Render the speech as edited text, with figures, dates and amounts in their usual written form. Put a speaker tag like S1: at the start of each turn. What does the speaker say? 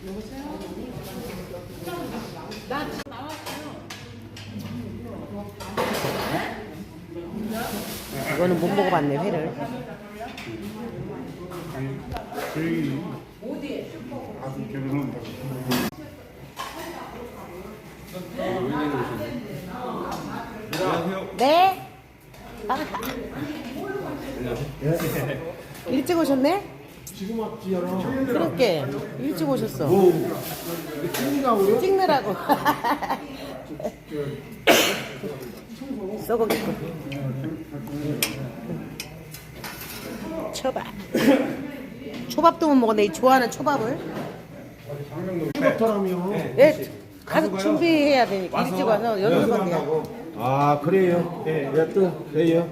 S1: 이거는 못 먹어봤네, 회를.
S2: 아니, 저희 아들 결혼한다고.
S1: 네? 일찍 오셨네?
S3: 지금 왔지요.
S1: 그렇게 일찍 오셨어.
S3: 찍느라고요?
S1: 찍느라고. 썩어 있고. 초밥. 초밥도 못 먹었네. 이 좋아하는 초밥을.
S3: 찍었더라며.
S1: 네, 가서 준비해야 되니까 일찍 와서 연습하게요.
S3: 아 그래요? 예, 네, 또 왜요?